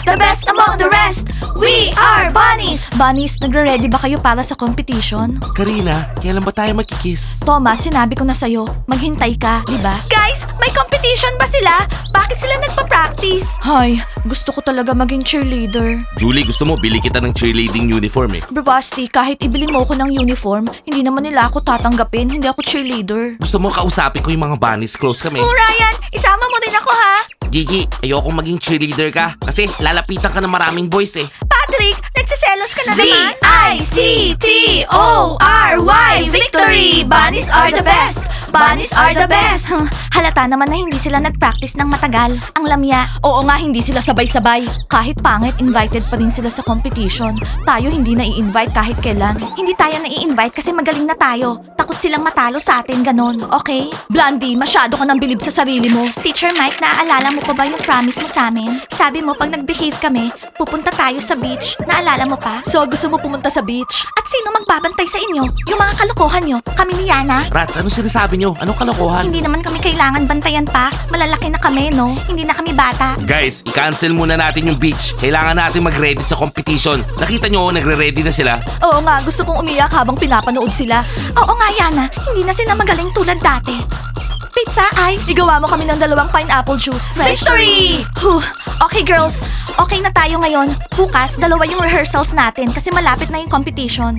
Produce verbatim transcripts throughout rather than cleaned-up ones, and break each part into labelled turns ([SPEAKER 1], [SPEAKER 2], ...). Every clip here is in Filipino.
[SPEAKER 1] the best among the rest. We are bunnies! Bunnies, nagre-ready ba kayo para sa competition?
[SPEAKER 2] Karina, kailan ba tayo magkikiss?
[SPEAKER 1] Thomas, sinabi ko na sa'yo, maghintay ka, di ba? Guys, may competition ba sila? Bakit sila nagpa-practice? Hay, gusto ko talaga maging cheerleader.
[SPEAKER 2] Julie, gusto mo bili kita ng cheerleading uniform eh.
[SPEAKER 1] Bravasti, kahit ibili mo ko ng uniform, hindi naman nila ako tatanggapin, hindi ako cheerleader.
[SPEAKER 2] Gusto mo kausapin ko yung mga bunnies, close kami.
[SPEAKER 1] Oh, Ryan, isama mo din ako ha?
[SPEAKER 2] Gigi, ayokong maging cheerleader ka kasi lalapitan ka ng maraming boys eh.
[SPEAKER 1] Patrick, nagsiselos ka na naman? V I C T O R Y Victory! Bunnies are the best! Bunnies are the best! Halata naman na hindi sila nag-practice ng matagal. Ang lamya. Oo nga, hindi sila sabay-sabay. Kahit pangit, invited pa rin sila sa competition. Tayo hindi na i-invite kahit kailan. Hindi tayo na i-invite kasi magaling na tayo. Takot silang matalo sa atin, ganon. Okay? Blondie, masyado ka nang bilib sa sarili mo. Teacher Mike, naaalala mo pa ba yung promise mo sa amin? Sabi mo, pag nag-behave kami, pupunta tayo sa beach. Naalala mo pa? So, gusto mo pumunta sa beach? At sino magbabantay sa inyo? Yung mga kalokohan nyo? Kami ni Yana?
[SPEAKER 2] Rats, ano sinasabi nyo? Anong kalokohan?
[SPEAKER 1] Hindi naman kami kailangan bantayan pa. Malalaki na kami, no? Hindi na kami bata.
[SPEAKER 2] Guys, i-cancel muna natin yung beach. Kailangan natin mag-ready sa competition. Nakita nyo, nagre-ready na sila.
[SPEAKER 1] Oo nga, gusto kong umiyak habang pinapanood sila. Oo nga, Yana. Hindi na sila magaling tulad dati. Pizza, ice. Igawa mo kami ng dalawang pineapple juice. Fresh. Victory! Huh. Okay, girls. Okay na tayo ngayon. Bukas, dalawa yung rehearsals natin kasi malapit na yung competition.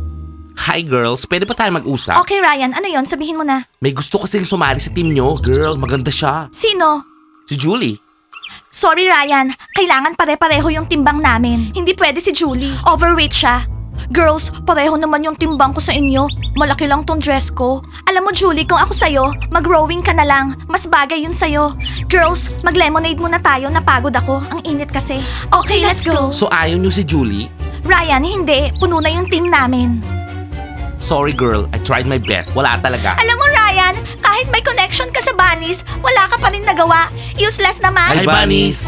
[SPEAKER 2] Hi girls, pwede pa tayo mag-usap?
[SPEAKER 1] Okay, Ryan. Ano yon? Sabihin mo na.
[SPEAKER 2] May gusto kasing sumali sa team nyo. Girl, maganda siya.
[SPEAKER 1] Sino?
[SPEAKER 2] Si Julie.
[SPEAKER 1] Sorry, Ryan. Kailangan pare-pareho yung timbang namin. Hindi pwede si Julie. Overweight siya. Girls, pareho naman yung timbang ko sa inyo. Malaki lang tong dress ko. Alam mo, Julie, kung ako sa'yo, mag-rowing ka na lang. Mas bagay yun sa'yo. Girls, mag-lemonade muna tayo. Napagod ako. Ang init kasi. Okay, let's go.
[SPEAKER 2] So ayaw nyo si Julie?
[SPEAKER 1] Ryan, hindi. Puno na yung team namin.
[SPEAKER 2] Sorry girl, I tried my best. Wala talaga.
[SPEAKER 1] Alam mo, Ryan, kahit may connection ka sa bunnies, wala ka pa rin nagawa. Useless naman.
[SPEAKER 2] Hi bunnies!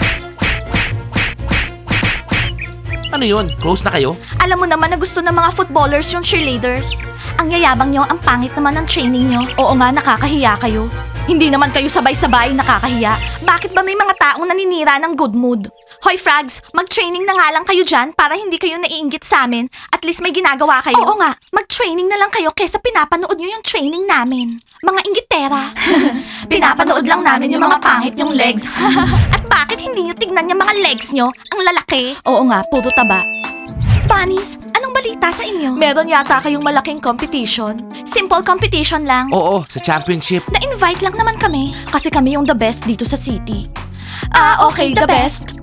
[SPEAKER 2] Ano yun? Close na kayo?
[SPEAKER 1] Alam mo naman na gusto ng mga footballers yung cheerleaders. Ang yayabang nyo, ang pangit naman ng training nyo. Oo nga, nakakahiya kayo. Hindi naman kayo sabay-sabay nakakahiya. Bakit ba may mga taong naninira ng good mood? Hoy Frags, mag-training na nga lang kayo dyan para hindi kayo naiinggit sa amin. At least may ginagawa kayo. Oo nga, mag-training na lang kayo kesa pinapanood nyo yung training namin. Mga inggitera. Pinapanood lang namin yung mga pangit yung legs. At bakit hindi nyo tignan yung mga legs nyo? Ang lalaki. Oo nga, puro taba. Bunnies, anong balita sa inyo? Meron yata kayong malaking competition. Simple competition lang.
[SPEAKER 2] Oo, sa championship.
[SPEAKER 1] Na-invite lang naman kami kasi kami yung the best dito sa city. Ah, okay, the, best.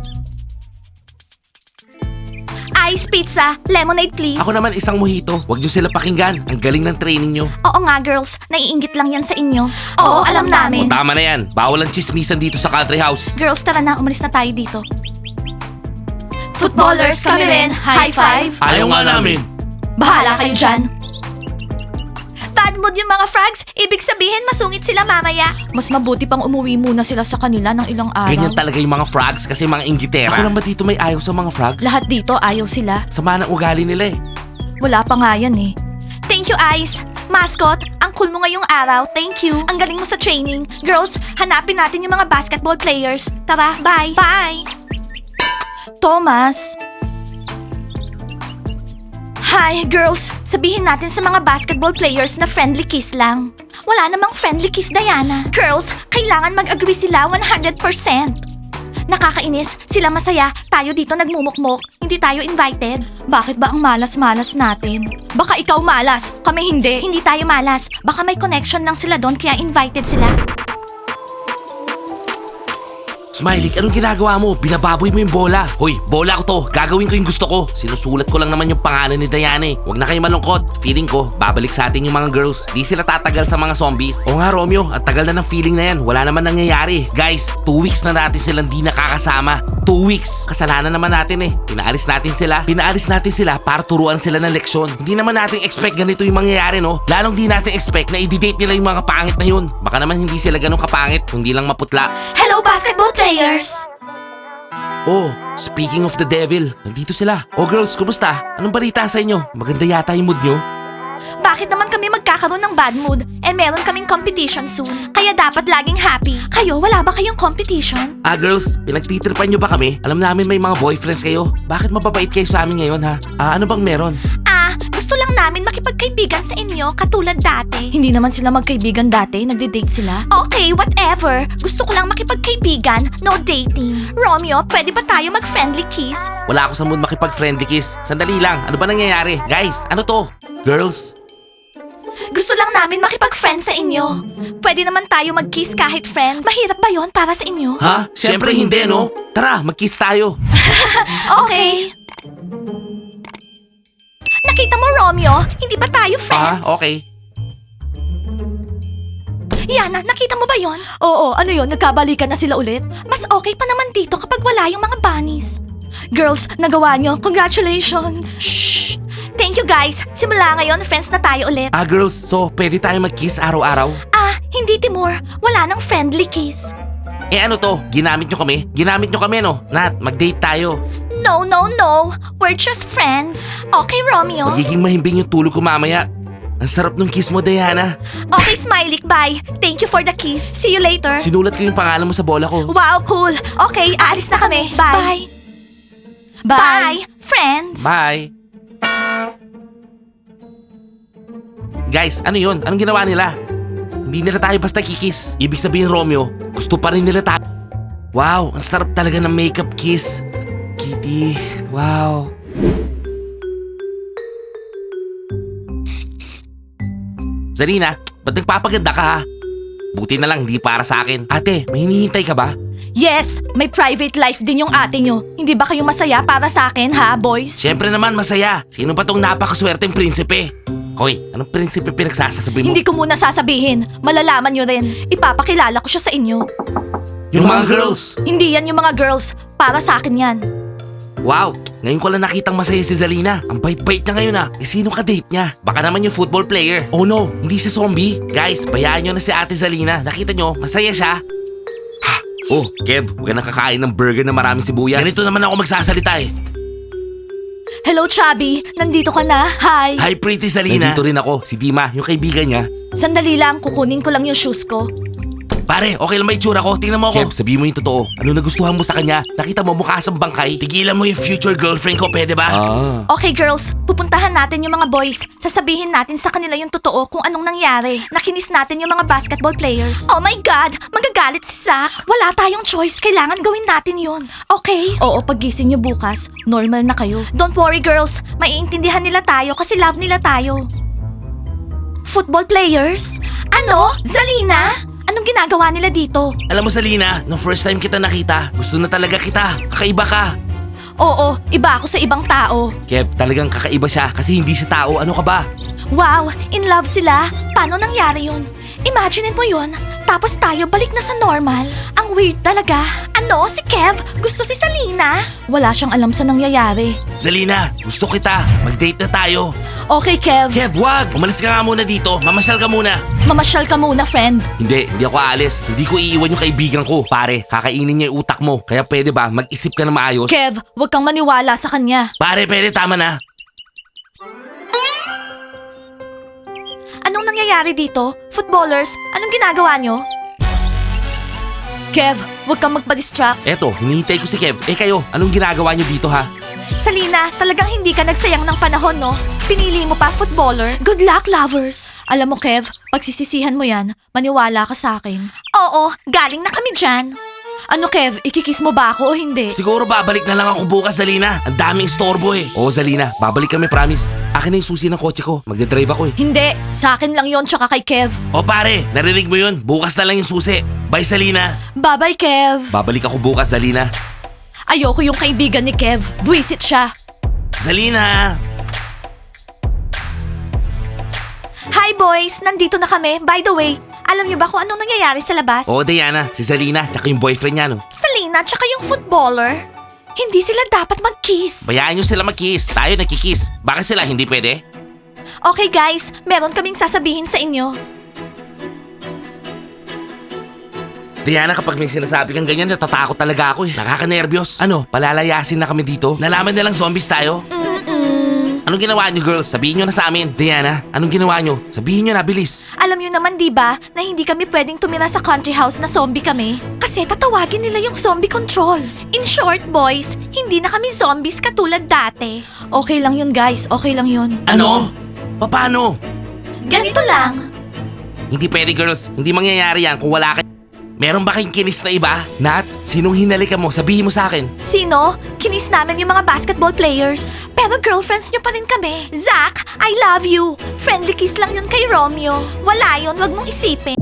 [SPEAKER 1] Ice pizza, lemonade please.
[SPEAKER 2] Ako naman isang mojito. Huwag nyo sila pakinggan. Ang galing ng training nyo.
[SPEAKER 1] Oo nga girls, naiinggit lang yan sa inyo. Oo, alam namin.
[SPEAKER 2] O tama na yan. Bawal ang chismisan dito sa country house.
[SPEAKER 1] Girls, tara na, umalis na tayo dito. Footballers kami rin, high five.
[SPEAKER 2] Ayaw nga namin.
[SPEAKER 1] Bahala kayo dyan. Bad mood yung mga frogs, ibig sabihin masungit sila mamaya. Mas mabuti pang umuwi muna sila sa kanila ng ilang araw.
[SPEAKER 2] Ganyan talaga yung mga frogs kasi mga inggitera. Ako lang ba dito may ayaw sa mga frogs?
[SPEAKER 1] Lahat dito ayaw sila.
[SPEAKER 2] Sama ng ugali nila eh.
[SPEAKER 1] Wala pa nga yan eh. Thank you, Ice. Mascot, ang cool mo ngayong araw. Thank you. Ang galing mo sa training. Girls, hanapin natin yung mga basketball players. Tara, bye. Bye. Thomas. Hi, girls. Sabihin natin sa mga basketball players na friendly kiss lang. Wala namang friendly kiss, Diana. Girls, kailangan mag-agree sila one hundred percent. Nakakainis, sila masaya, tayo dito nagmumukmok, hindi tayo invited. Bakit ba ang malas-malas natin? Baka ikaw malas, kami hindi. Hindi tayo malas, baka may connection lang sila doon kaya invited sila.
[SPEAKER 2] Smiley, anong ginagawa mo? Binababoy mo yung bola. Hoy, bola ko to. Gagawin ko yung gusto ko. Sinusulat ko lang naman yung pangalan ni Diana eh. Huwag na kayo malungkot. Feeling ko, babalik sa atin yung mga girls. Di sila tatagal sa mga zombies. O nga Romeo, ang tagal na ng feeling na yan. Wala naman nangyayari. Guys, two weeks na natin silang di nakakasama. Two weeks. Kasalanan naman natin eh. Pinaalis natin sila. Pinaalis natin sila para turuan sila ng leksyon. Hindi naman natin expect ganito yung mangyayari no. Lalong di natin expect na i-date nila yung mga pangit na yun. Baka naman hindi sila ganun kapangit, kundi lang maputla.
[SPEAKER 1] Hello, basketball players!
[SPEAKER 2] Oh, speaking of the devil, nandito sila. Oh girls, kumusta? Anong balita sa inyo? Maganda yata yung mood nyo?
[SPEAKER 1] Bakit naman kami magkakaroon ng bad mood? Eh meron kaming competition soon. Kaya dapat laging happy. Kayo, wala ba kayong competition?
[SPEAKER 2] Ah, girls, pinagtitripan nyo ba kami? Alam namin may mga boyfriends kayo. Bakit mababait kayo sa amin ngayon, ha? Ah, ano bang meron?
[SPEAKER 1] Ah, gusto lang namin makipagkaibigan sa inyo katulad dati. Hindi naman sila magkaibigan dati, nagde-date sila. Okay, whatever. Gusto ko lang makipagkaibigan, no dating. Romeo, pwede ba tayo mag-friendly kiss?
[SPEAKER 2] Wala ako sa mood makipag-friendly kiss. Sandali lang, ano ba nangyayari? Guys, ano to? Girls?
[SPEAKER 1] Gusto lang namin makipag-friends sa inyo. Pwede naman tayo mag-kiss kahit friends. Mahirap ba yon para sa inyo?
[SPEAKER 2] Ha? Siyempre hindi, no? Tara, mag-kiss tayo.
[SPEAKER 1] Okay. Nakita mo, Romeo? Hindi ba tayo
[SPEAKER 2] Ah,
[SPEAKER 1] friends?
[SPEAKER 2] okay.
[SPEAKER 1] Yana, nakita mo ba yon? Oo, ano yon? Nagkabalikan na sila ulit? Mas okay pa naman dito kapag wala yung mga bunnies. Girls, nagawa nyo. Congratulations. Shh! Thank you guys. Simula ngayon, friends na tayo ulit.
[SPEAKER 2] Ah, girls, so pwede tayo mag-kiss araw-araw?
[SPEAKER 1] Ah, hindi Timur. Wala nang friendly kiss.
[SPEAKER 2] Eh ano to? Ginamit nyo kami? Ginamit nyo kami, no? Nat, mag-date tayo.
[SPEAKER 1] No, no, no. We're just friends. Okay, Romeo?
[SPEAKER 2] Magiging mahimbing yung tulog ko mamaya. Ang sarap ng kiss mo, Diana.
[SPEAKER 1] Okay, Smiley. Bye. Thank you for the kiss. See you later.
[SPEAKER 2] Sinulat ko yung pangalan mo sa bola ko.
[SPEAKER 1] Wow, cool. Okay, aalis na kami. Bye. Bye. Bye, friends.
[SPEAKER 2] Bye. Guys, ano yun? Anong ginawa nila? Hindi nila tayo basta kikis. Ibig sabihin, Romeo, gusto pa rin nila tayo. Wow, ang sarap talaga ng makeup kiss. Kitty, wow. Zarina, ba't nagpapaganda ka ha? Buti na lang, hindi para sa akin. Ate, may hinihintay ka ba?
[SPEAKER 1] Yes, may private life din yung ate nyo. Hindi ba kayo masaya para sa akin, ha, boys?
[SPEAKER 2] Siyempre naman, masaya. Sino ba tong napakaswerteng prinsipe? Hoy, anong prinsipe pinagsasasabi mo?
[SPEAKER 1] Hindi ko muna sasabihin. Malalaman nyo rin. Ipapakilala ko siya sa inyo.
[SPEAKER 2] Yung mga girls!
[SPEAKER 1] Hindi yan yung mga girls. Para sa akin yan.
[SPEAKER 2] Wow, ngayon ko lang nakitang masaya si Zalina. Ang bait-bait niya ngayon ah. Eh sino ka-date niya? Baka naman yung football player. Oh no, hindi si zombie. Guys, bayaan nyo na si ate Zalina. Nakita nyo, masaya siya. Ha! Oh, Kev, huwag ka nang kakain ng burger na maraming sibuyas. Ganito naman ako magsasalita eh.
[SPEAKER 1] Hello, Chubby. Nandito ka na. Hi.
[SPEAKER 2] Hi, pretty Zalina. Nandito rin ako, si Dima, yung kaibigan niya.
[SPEAKER 1] Sandali lang, kukunin ko lang yung shoes ko.
[SPEAKER 2] Pare, okay lang ba itsura ko? Tingnan mo ako. Kev, sabihin mo yung totoo. Ano nagustuhan mo sa kanya? Nakita mo mukha siyang bangkay? Tigilan mo yung future girlfriend ko, pwede ba? Ah.
[SPEAKER 1] Okay, girls. Pupuntahan natin yung mga boys. Sasabihin natin sa kanila yung totoo kung anong nangyari. Nakinis natin yung mga basketball players. Oh my God! Magagalit si Zach. Wala tayong choice. Kailangan gawin natin yun. Okay? Oo, paggising nyo bukas, normal na kayo. Don't worry, girls. Maiintindihan nila tayo kasi love nila tayo. Football players? Ano? Zalina? Anong ginagawa nila dito?
[SPEAKER 2] Alam mo, Zalina, nung first time kita nakita, gusto na talaga kita. Kakaiba ka.
[SPEAKER 1] Oo, iba ako sa ibang tao.
[SPEAKER 2] Kev, talagang kakaiba siya kasi hindi siya tao. Ano ka ba?
[SPEAKER 1] Wow, in love sila? Paano nangyari yun? Imagine mo yun, tapos tayo balik na sa normal. Ang weird talaga. Ano, si Kev? Gusto si Salina? Wala siyang alam sa nangyayari.
[SPEAKER 2] Zalina, gusto kita. Mag-date na tayo.
[SPEAKER 1] Okay, Kev.
[SPEAKER 2] Kev, wag! Umalis ka nga muna dito. Mamasyal ka muna.
[SPEAKER 1] Mamasyal ka muna, friend.
[SPEAKER 2] Hindi, hindi ako aalis. Hindi ko iiwan yung kaibigan ko. Pare, kakainin niya yung utak mo. Kaya pwede ba, mag-isip ka na maayos?
[SPEAKER 1] Kev, huwag kang maniwala sa kanya.
[SPEAKER 2] Pare, pwede, tama na.
[SPEAKER 1] Anong nangyayari dito? Footballers, anong ginagawa nyo? Kev, huwag kang magpa-distract.
[SPEAKER 2] Eto, hinihintay ko si Kev. Eh kayo, anong ginagawa niyo dito ha?
[SPEAKER 1] Salina, talagang hindi ka nagsayang ng panahon, no? Pinili mo pa footballer. Good luck, lovers. Alam mo, Kev, pagsisisihan mo yan, maniwala ka sa akin. Oo, galing na kami dyan. Ano, Kev, ikikiss mo ba ako o hindi?
[SPEAKER 2] Siguro babalik na lang ako bukas, Zalina. Ang daming istorbo eh. Oo, Zalina, babalik kami, promise. Akin na yung susi ng kotse ko. Magdadrive ako eh.
[SPEAKER 1] Hindi, sa akin lang yon tsaka kay Kev.
[SPEAKER 2] O pare, narinig mo yun. Bukas na lang yung susi. Bye, Zalina.
[SPEAKER 1] Bye-bye, Kev.
[SPEAKER 2] Babalik ako bukas, Zalina.
[SPEAKER 1] Ayoko yung kaibigan ni Kev. Buwisit siya.
[SPEAKER 2] Zalina!
[SPEAKER 1] Hi, boys. Nandito na kami. By the way, alam niyo ba kung anong nangyayari sa labas?
[SPEAKER 2] Oo, Diana. Si Zalina, tsaka yung boyfriend niya, no?
[SPEAKER 1] Salina, tsaka yung footballer. Hindi sila dapat mag-kiss.
[SPEAKER 2] Bayaan nyo sila mag-kiss. Tayo nagkikiss. Bakit sila hindi pwede?
[SPEAKER 1] Okay, guys. Meron kaming sasabihin sa inyo.
[SPEAKER 2] Diana, kapag may sinasabi kang ganyan, natatakot talaga ako eh. Nakaka-nervyos. Ano, palalayasin na kami dito? Nalaman nilang zombies tayo?
[SPEAKER 1] Mm-mm.
[SPEAKER 2] Anong ginawa niyo, girls? Sabihin niyo na sa amin. Diana, anong ginawa niyo? Sabihin niyo na, bilis.
[SPEAKER 1] Alam niyo naman, di ba, na hindi kami pwedeng tumira sa country house na zombie kami? Kasi tatawagin nila yung zombie control. In short, boys, hindi na kami zombies katulad dati. Okay lang yun, guys. Okay lang yun.
[SPEAKER 2] Ano? Paano?
[SPEAKER 1] Ganito lang.
[SPEAKER 2] Hindi pwede, girls. Hindi mangyayari yan kung wala kayo. Meron ba kayong kinis na iba? Nat, sinong hinalikan mo? Sabihin mo sa akin.
[SPEAKER 1] Sino? Kinis namin yung mga basketball players. Pero girlfriends nyo pa rin kami. Zach, I love you. Friendly kiss lang yun kay Romeo. Wala yun, wag mong isipin.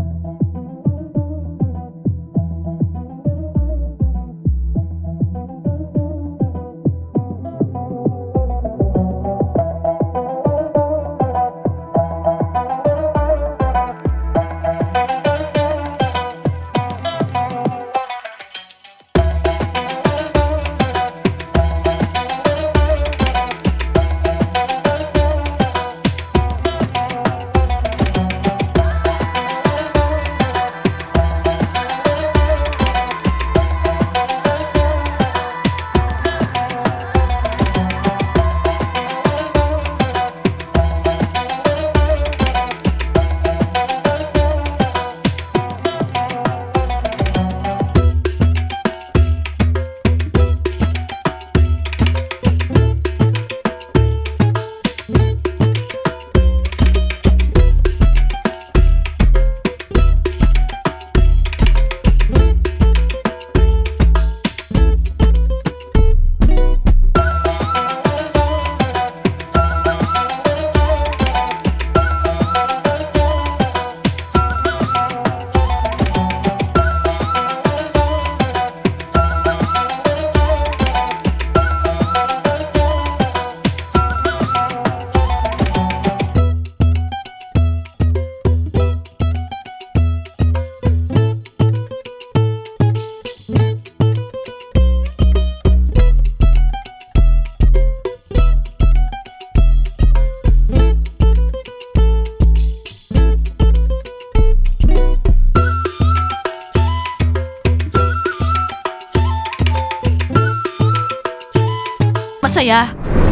[SPEAKER 1] Masaya.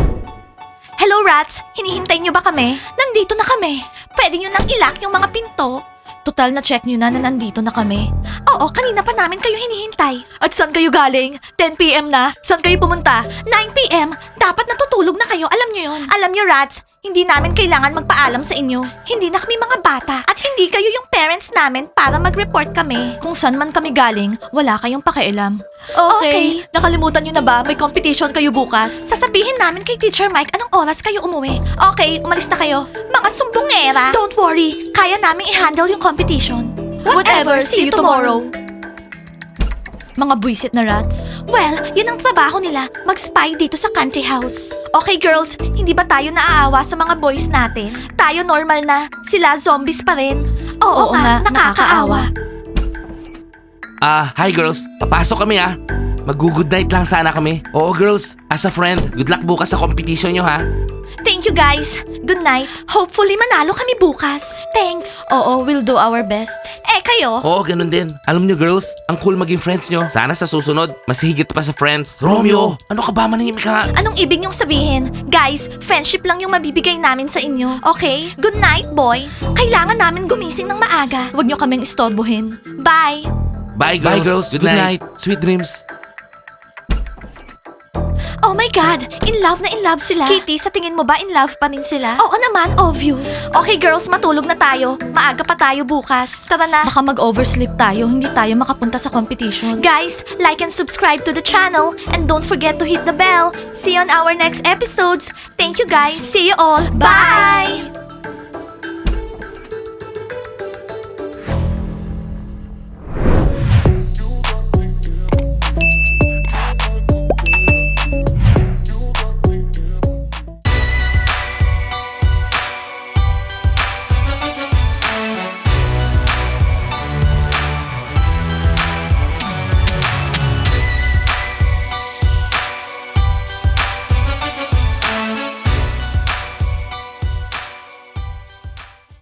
[SPEAKER 1] Hello, rats! Hinihintay niyo ba kami? Nandito na kami. Pwede niyo nang ilock yung mga pinto. Total na check niyo na na nandito na kami. Oo, kanina pa namin kayo hinihintay. At saan kayo galing? ten p.m. na? Saan kayo pumunta? nine p.m. Dapat natutulog na kayo, alam niyo yon. Alam niyo, rats, hindi namin kailangan magpaalam sa inyo. Hindi na kami mga bata at hindi kayo yung parents namin para mag-report kami. Kung saan man kami galing, wala kayong pakialam. Okay. Nakalimutan niyo na ba? May competition kayo bukas. Sasabihin namin kay Teacher Mike anong oras kayo umuwi. Okay, umalis na kayo. Mga sumbongera. Don't worry, kaya namin i-handle yung competition. Whatever, see you tomorrow. Mga buwisit na rats. Well, yun ang trabaho nila, mag-spy dito sa country house. Okay girls, hindi ba tayo naaawa sa mga boys natin? Tayo normal na, sila zombies pa rin. Oo,
[SPEAKER 3] Oo
[SPEAKER 1] nga,
[SPEAKER 3] nga,
[SPEAKER 1] nakakaawa.
[SPEAKER 2] Ah, hi girls. Papasok kami ah. Mag-good night lang sana kami. Oo girls, as a friend, good luck bukas sa competition nyo ha.
[SPEAKER 1] Thank you guys. Good night. Hopefully manalo kami bukas. Thanks.
[SPEAKER 3] Oo, we'll do our best.
[SPEAKER 1] Eh kayo?
[SPEAKER 2] Oo, ganun din. Alam nyo girls, ang cool maging friends nyo. Sana sa susunod, mas higit pa sa friends. Romeo, ano ka ba, manahimik ka?
[SPEAKER 1] Anong ibig niyong sabihin? Guys, friendship lang yung mabibigay namin sa inyo. Okay? Good night, boys. Kailangan namin gumising ng maaga.
[SPEAKER 3] Huwag niyo kaming istorbohin.
[SPEAKER 1] Bye.
[SPEAKER 2] Bye girls, good, night. Sweet dreams.
[SPEAKER 1] Oh my God! In love na in love sila. Kitty, sa tingin mo ba in love pa rin sila? Oo naman, obvious. Okay girls, matulog na tayo. Maaga pa tayo bukas. Tara na.
[SPEAKER 3] Baka mag-oversleep tayo, hindi tayo makapunta sa competition.
[SPEAKER 1] Guys, like and subscribe to the channel and don't forget to hit the bell. See you on our next episodes. Thank you guys. See you all. Bye!